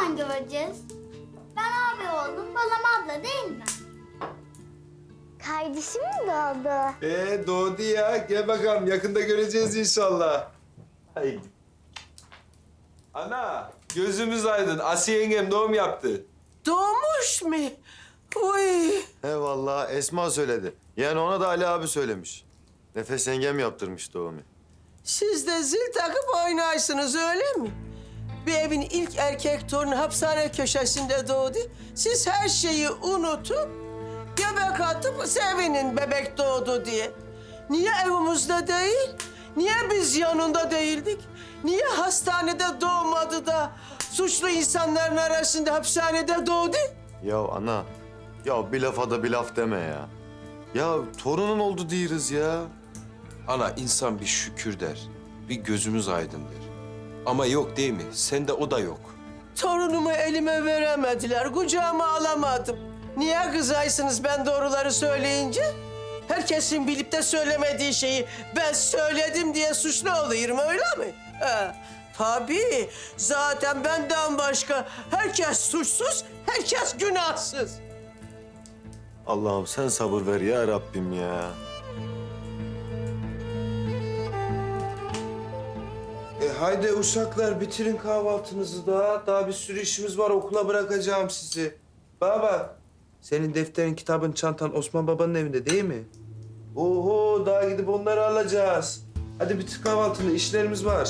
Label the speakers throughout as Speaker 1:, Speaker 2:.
Speaker 1: zaman göreceğiz? Ben abi oldum, balam abla değil mi? Kardeşim mi doğdu?
Speaker 2: Doğdu ya. Gel bakalım. Yakında göreceğiz inşallah. Haydi. Ana, gözümüz aydın. Asiye yengem doğum yaptı.
Speaker 3: Doğmuş mu? Uy.
Speaker 4: He vallahi Esma söyledi. Yani ona da Ali abi söylemiş. Nefes yengem yaptırmış doğumu.
Speaker 3: Siz de zil takıp oynarsınız öyle mi? Bir evin ilk erkek torunu hapishane köşesinde doğdu. Siz her şeyi unutup göbek atıp sevinin bebek doğdu diye. Niye evimizde değil? Niye biz yanında değildik? Niye hastanede doğmadı da suçlu insanların arasında hapishanede doğdu?
Speaker 4: Ya ana, ya bir lafa da bir laf deme ya. Ya torunun oldu diyoruz ya.
Speaker 2: Ana, insan bir şükür der. Bir gözümüz aydın der. Ama yok değil mi? Sende o da yok.
Speaker 3: Torunumu elime veremediler, kucağıma alamadım. Niye kızaysınız ben doğruları söyleyince? Herkesin bilip de söylemediği şeyi ben söyledim diye suçlu oluyorum öyle mi? Tabii. Zaten benden başka herkes suçsuz, herkes günahsız.
Speaker 4: Allah'ım sen sabır ver ya Rabbim ya.
Speaker 2: Haydi uşaklar, bitirin kahvaltınızı da. Daha bir sürü işimiz var. Okula bırakacağım sizi. Bana bak. Senin defterin, kitabın, çantan Osman babanın evinde değil mi? Oho, daha gidip onları alacağız. Hadi bitir kahvaltını. İşlerimiz var.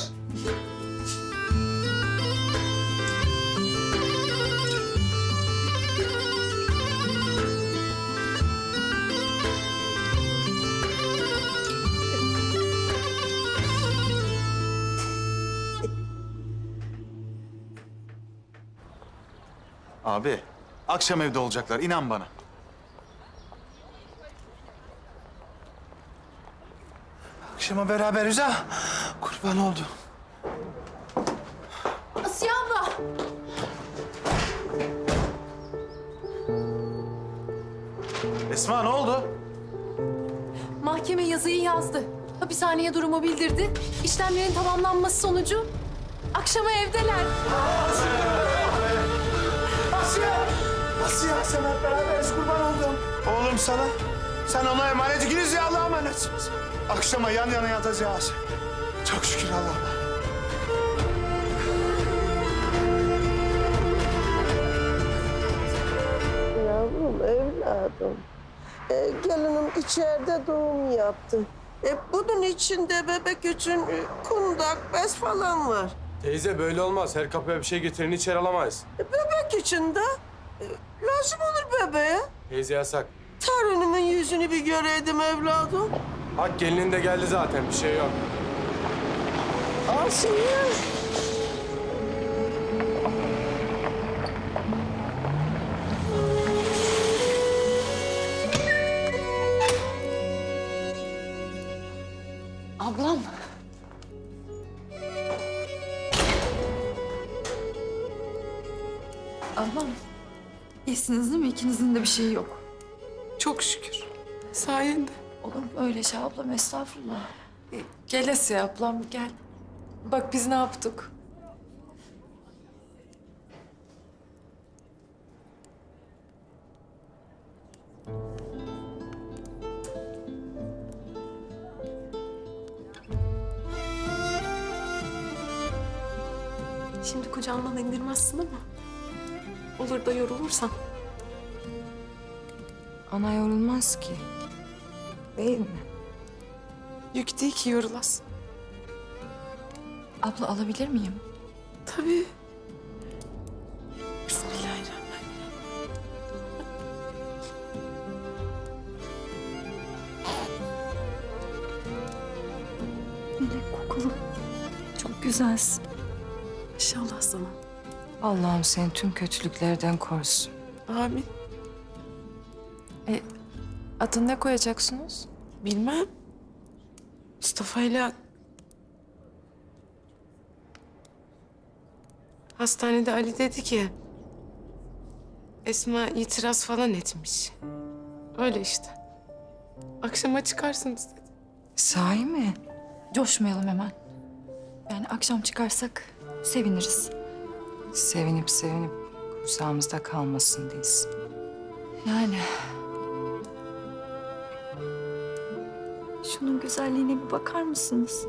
Speaker 5: Abi, akşam evde olacaklar. İnan bana. Akşama beraberiz ha. Kurban oldu.
Speaker 6: Asiye abla.
Speaker 5: Esma ne oldu?
Speaker 6: Mahkeme yazıyı yazdı. Hapishaneye durumu bildirdi. İşlemlerin tamamlanması sonucu akşama evdeler.
Speaker 5: Asiye, sen hep beraberiz. Kurban oldum. Oğlum sana. Sen ona emanet. İkiniz ya Allah'a emanetsiniz. Akşama yan yana yatacağız. Çok şükür Allah'ım.
Speaker 3: Yavrum, evladım. Gelinim içeride doğum yaptı. Bunun içinde bebek için kundak, bez falan var.
Speaker 7: Teyze böyle olmaz. Her kapıya bir şey getirin içeri alamayız.
Speaker 3: Bebek için de lazım olur bebeğe.
Speaker 7: Teyze yasak.
Speaker 3: Torunumun yüzünü bir göreydim evladım.
Speaker 7: Hak gelinin de geldi zaten bir şey yok.
Speaker 3: Asiye.
Speaker 6: Ablam.
Speaker 8: Ablam, iyisiniz değil mi? İkinizin de bir şeyi yok.
Speaker 9: Çok şükür. Sayende.
Speaker 8: Olur mu öyle şey ablam? Estağfurullah.
Speaker 9: Gel Asiye ablam gel. Bak biz ne yaptık. Şimdi kucağından indirmezsin ama olur da yorulursan.
Speaker 8: Ana yorulmaz ki. Değil mi?
Speaker 9: Yük değil ki yorulasın.
Speaker 8: Abla alabilir miyim?
Speaker 9: Tabii. Bismillahirrahmanirrahim.
Speaker 8: Melek kokulu. Çok güzelsin.
Speaker 9: İnşallah sana.
Speaker 8: Allah'ım seni tüm kötülüklerden korusun.
Speaker 9: Amin.
Speaker 6: Adını ne koyacaksınız?
Speaker 9: Bilmem. Mustafa'yla hastanede Ali dedi ki Esma itiraz falan etmiş. Öyle işte. Akşama çıkarsınız dedi.
Speaker 8: Sahi mi? Coşmayalım hemen. Yani akşam çıkarsak seviniriz. Sevinip sevinip kursağımızda kalmasın değilsin. Yani.
Speaker 10: Şunun güzelliğine bir bakar mısınız?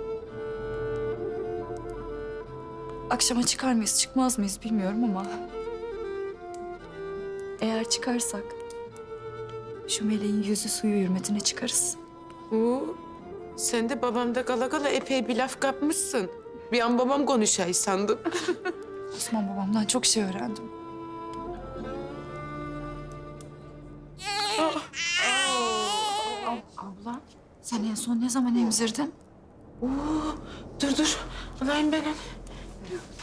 Speaker 10: Akşama çıkar mıyız, çıkmaz mıyız bilmiyorum ama... eğer çıkarsak... şu meleğin yüzü suyu hürmetine çıkarız.
Speaker 9: Sen de babamda kala kala epey bir laf kapmışsın. Bir an babam konuşay sandım.
Speaker 10: Osman babamdan çok şey öğrendim. Abla, sen en son ne zaman emzirdin?
Speaker 9: Dur. Alayım ben onu.